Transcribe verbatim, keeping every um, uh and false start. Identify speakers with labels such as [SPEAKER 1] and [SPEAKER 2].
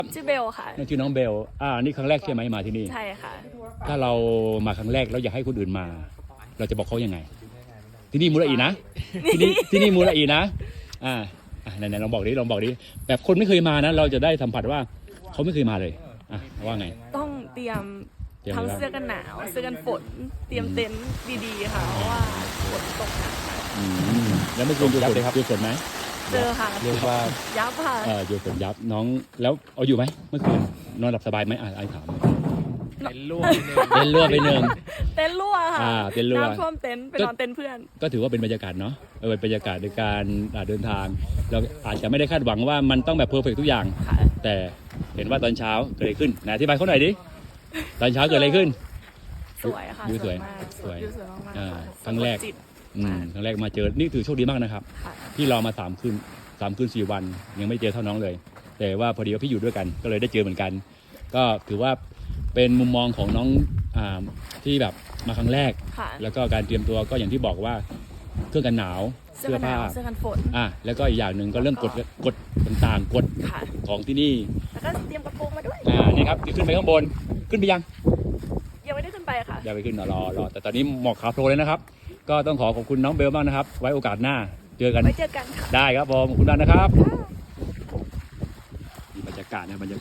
[SPEAKER 1] ชื่อเบลค่ะ
[SPEAKER 2] ชื่อน้องเบลอ่านี่ครั้งแรกใช่ไหมมาที่นี่
[SPEAKER 1] ใช่ค่ะ
[SPEAKER 2] ถ้าเรามาครั้งแรกแล้วอยากให้คนอื่นมา เราจะบอกเขายังไง ที่นี่มูลอีนะที่นี่ที่นี่มูลอีนะอ่าอ่าไหนๆลองบอกดิลองบอกดิแบบคนไม่เคยมานะเราจะได้สัมผัสว่าเขาไม่เคยมาเลยอ่ะว่าไง
[SPEAKER 1] ต้องเตรียม
[SPEAKER 2] เตรียม
[SPEAKER 1] ทั้ง
[SPEAKER 2] อะไรบ้าง
[SPEAKER 1] เสื้อกันหนาวเสื้อกันฝนเตรียมเต็นท์ดีๆค่ะเพราะว่าฝนตกหนักค่ะ
[SPEAKER 2] อืมแล้วเมื่อคืนเจอฝนเจอฝนไหม
[SPEAKER 1] เจอค่ะ
[SPEAKER 3] เรียกว่า
[SPEAKER 1] ยับค่ะ
[SPEAKER 2] เออเจอฝนยับน้องแล้วเอาอยู่ไหมเมื่อคืนนอนหลับสบายไหมอ่ะไอ้ถาม
[SPEAKER 3] เป็นลูก
[SPEAKER 2] เล่นรั่วไปหนึ่ง
[SPEAKER 1] เต็นท์รั่วค่ะ
[SPEAKER 2] อ่าเต็นท์รั่ว
[SPEAKER 1] น้ำท่วมเต็นท์ไปนอนเต็นท์เพื่อน
[SPEAKER 2] ก็ถือว่าเป็นบรรยากาศเนาะเออเป็นบรรยากาศในการอ่าเดินทางเราอาจจะไม่ได้คาดหวังว่ามันต้องแบบเพอร์เฟกทุกอย่าง
[SPEAKER 1] ค่ะ
[SPEAKER 2] แต่เห็นว่าตอนเช้าเกิดอะไรขึ้นนะอธิบายเขาหน่อยดิตอนเช้าเกิดอะไรขึ้น
[SPEAKER 1] สวยค่ะ
[SPEAKER 2] วิวสวย
[SPEAKER 1] มาก
[SPEAKER 2] สวย
[SPEAKER 1] วิวสวยมากๆ
[SPEAKER 2] อ่า
[SPEAKER 1] ค่ะ
[SPEAKER 2] ครั้งแรก
[SPEAKER 1] สะดจิต
[SPEAKER 2] อืมครั้งแรกมาเจอนี่ถือโชคดีมากนะครับ
[SPEAKER 1] ค่ะ
[SPEAKER 2] พี่รอมาสามคืนสามคืนสี่วัน ยังไม่เจอเท่าน้องเลย แต่ว่าพอดีว่าพี่อยู่ด้วยกันก็เลยได้เจอเหมือนกัน ก็ถือว่าเป็นมุมมองของน้องอ่าที่แบบมาครั้งแรก
[SPEAKER 1] ค่ะ
[SPEAKER 2] แล้วก็การเตรียมตัวก็อย่างที่บอกว่าเครื่องกันหนาว
[SPEAKER 1] เสื้อกันหนาวเสื้อกันฝน
[SPEAKER 2] อ่ะแล้วก็อีกอย่างหนึ่งก็เรื่องกฎกฎต่างๆกฎ
[SPEAKER 1] ค่ะ
[SPEAKER 2] ของที่นี่
[SPEAKER 1] แล้วก็เตรียมกระโปรงมาด้วย
[SPEAKER 2] อ่านี่ครับขึ้นไปข้างบนขึ้นไปยัง
[SPEAKER 1] ยังไม่ได้ขึ้นไปค่ะ
[SPEAKER 2] อย่าไปขึ้นรอรอรอแต่ตอนนี้หมอกขาวโพลนเลยนะครับ ก็ต้องขอขอบคุณน้องเบลมากนะครับ ไว้โอกาสหน้าเจอกัน
[SPEAKER 1] ไว้เจอกันค่ะ
[SPEAKER 2] ได้ครับผมขอบคุณมากนะครับมีบรรยากาศนะบรรยากาศ